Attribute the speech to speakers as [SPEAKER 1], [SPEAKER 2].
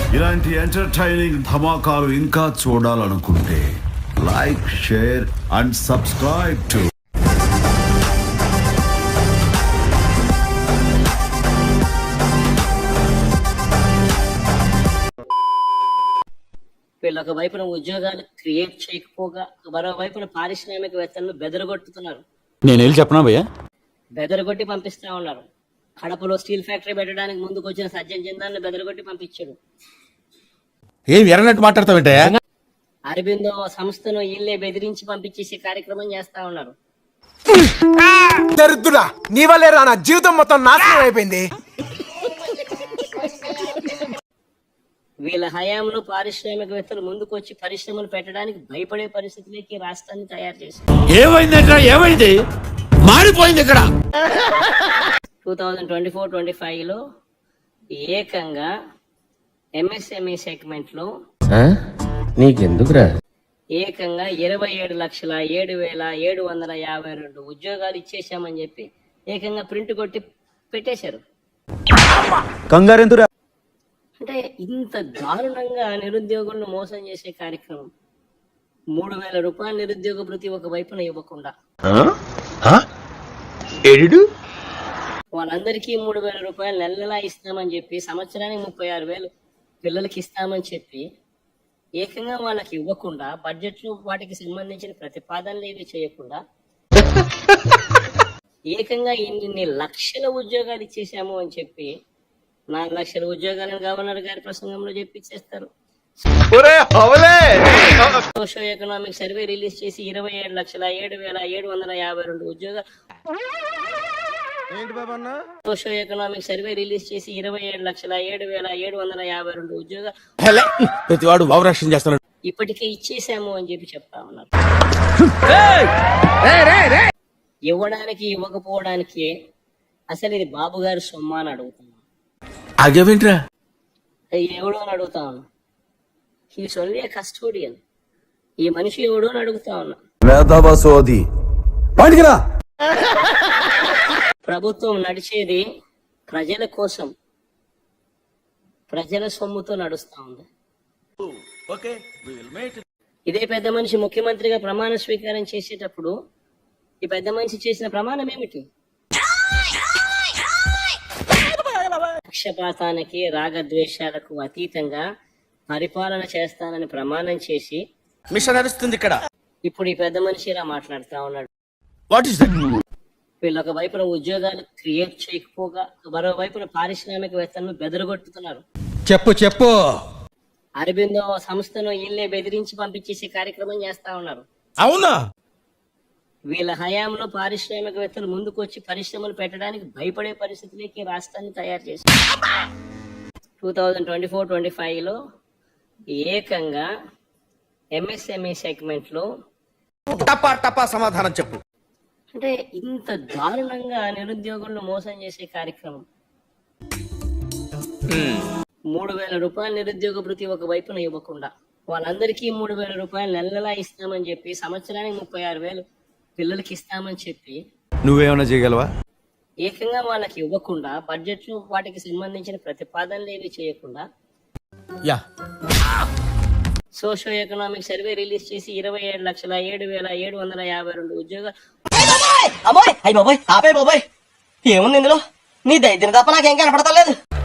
[SPEAKER 1] ఇలాంటి ఎంటర్టైనింగ్ ధమాకాలు ఇంకా చూడాలనుకుంటే like, share and subscribe to
[SPEAKER 2] వీళ్ళొక వైపున ఉద్యోగాలు క్రియేట్ చేయకపోగా మరోవైపున పారిశ్రామికవేత్తలను బెదరగొట్టుతున్నారు.
[SPEAKER 3] నేను వెళ్ళి చెప్పనా భయ్యా?
[SPEAKER 2] బెదరగొట్టి పంపిస్తా ఉన్నారు. కడపలో స్టీల్ ఫ్యాక్టరీ పెట్టడానికి ముందుకు వచ్చిన సజ్జన్ జిందాల్ని బెదరగొట్టి పంపించాడు.
[SPEAKER 3] ఏం ఎర్రనట్టు మాట్లాడతావంటే?
[SPEAKER 2] అరబిందో సంస్థను ఇల్లే బెదిరించి పంపించేసి కార్యక్రమం చేస్తా ఉన్నారు.
[SPEAKER 4] దరిద్రుడా, నీ వల్లే రా నా జీవితం మొత్తం నాశనం అయిపోయింది.
[SPEAKER 2] వీళ్ళ హయాంలో పారిశ్రామికవేత్తలు ముందుకు వచ్చి పరిశ్రమలు పెట్టడానికి భయపడే పరిస్థితిలోకి రాష్ట్రాన్ని తయారు చేశారు.
[SPEAKER 3] ఏమైంది? మారిపోయింది ఇక్కడ.
[SPEAKER 2] 2024-25 లో ఏకంగా ఎంఎస్ఎంఈ సెగ్మెంట్ లో
[SPEAKER 5] నీకెందుకురా
[SPEAKER 2] ఏకంగా 27,07,752 ఉద్యోగాలు ఇచ్చేసామని చెప్పి ఏకంగా ప్రింట్ కొట్టి పెట్టేశారు.
[SPEAKER 3] కంగారెందురా?
[SPEAKER 2] అంటే ఇంత దారుణంగా నిరుద్యోగులను మోసం చేసే కార్యక్రమం. 3,000 రూపాయల నిరుద్యోగ భృతి ఒక వైపున ఇవ్వకుండా వాళ్ళందరికీ 3,000 రూపాయలు నెలలా ఇస్తామని చెప్పి సంవత్సరానికి 36,000 పిల్లలకి ఇస్తామని చెప్పి ఏకంగా వాళ్ళకి ఇవ్వకుండా బడ్జెట్లో వాటికి సంబంధించిన ప్రతిపాదనలు ఏవి చేయకుండా ఏకంగా ఇన్ని లక్షల ఉద్యోగాలు ఇచ్చేసాము అని చెప్పి 4 లక్షల ఉద్యోగాలను గవర్నర్ గారి ప్రసంగంలో చెప్పిచ్చేస్తారు. సోషో ఎకనామిక్ సర్వే రిలీజ్ చేసి 27,07,752 ఉద్యోగాలు సోషో ఎకనామిక్ సర్వే రిలీజ్ చేసి 27,07,752 ఉద్యోగాలు
[SPEAKER 3] ప్రతివాడు భావరక్షణ చేస్తున్నాడు.
[SPEAKER 2] ఇప్పటికే ఇచ్చేసాము అని చెప్పి చెప్తా ఉన్నారు. ఇవ్వడానికి ఇవ్వకపోవడానికి అసలు ఇది బాబు గారి సొమ్మ అని అడుగుతున్నాను.
[SPEAKER 3] ఆగేవింట్రా?
[SPEAKER 2] ఎవడో అని అడుగుతా ఉన్నా. He's only custodian. ఈ మనిషి ఎవడో అని అడుగుతా ఉన్నా. ప్రభుత్వం నడిచేది ప్రజల కోసం, ప్రజల సొమ్ముతో నడుస్తా ఉంది. ఇదే పెద్ద మనిషి ముఖ్యమంత్రిగా ప్రమాణ స్వీకారం చేసేటప్పుడు ఈ పెద్ద మనిషి చేసిన ప్రమాణం ఏమిటి? పక్షపాతానికి, రాగద్వేషాలకు అతీతంగా పరిపాలన చేస్తానని ప్రమాణం చేసి
[SPEAKER 3] మిషన్ నడుస్తుంది ఇక్కడ.
[SPEAKER 2] ఇప్పుడు ఈ పెద్ద మనిషి ఇలా మాట్లాడుతా ఉన్నాడు.
[SPEAKER 3] What is that?
[SPEAKER 2] వీళ్ళొక వైపున ఉద్యోగాలు క్రియేట్ చేయకపోగా మరోవైపున పారిశ్రామికవేత్తలను బెదరగొట్టుతున్నారు.
[SPEAKER 3] చెప్పు.
[SPEAKER 2] అరబిందో సంస్థను ఇల్లే బెదిరించి పంపించేసి కార్యక్రమం చేస్తా ఉన్నారు.
[SPEAKER 3] అవునా?
[SPEAKER 2] వీళ్ళ హయాంలో పారిశ్రామికవేత్తలు ముందుకు వచ్చి పరిశ్రమలు పెట్టడానికి భయపడే పరిస్థితిలోకి రాష్ట్రాన్ని తయారు చేశారు. 2024-25 లో ఏకంగా ఎంఎస్ఎంఈ సెగ్మెంట్ లో
[SPEAKER 3] టపా సమాధానం చెప్పు.
[SPEAKER 2] అంటే ఇంత దారుణంగా నిరుద్యోగులను మోసం చేసే కార్యక్రమం. 3,000 రూపాయల నిరుద్యోగ భృతి ఒక వైపున ఇవ్వకుండా వాళ్ళందరికీ 3,000 రూపాయలు నెలలా ఇస్తామని చెప్పి సంవత్సరానికి 36,000 పిల్లలకి ఇస్తామని చెప్పి
[SPEAKER 3] నువ్వేమన్నా చేయగలవా?
[SPEAKER 2] ఏకంగా వాళ్ళకి ఇవ్వకుండా బడ్జెట్లో వాటికి సంబంధించిన ప్రతిపాదనలు ఏవి చేయకుండా సోషో ఎకనామిక్ సర్వే రిలీజ్ చేసి 27,07,752 ఉద్యోగాలు
[SPEAKER 6] ఏముంది ఇందులో? నీ దైత్యం తప్ప నాకేం కనపడతలేదు.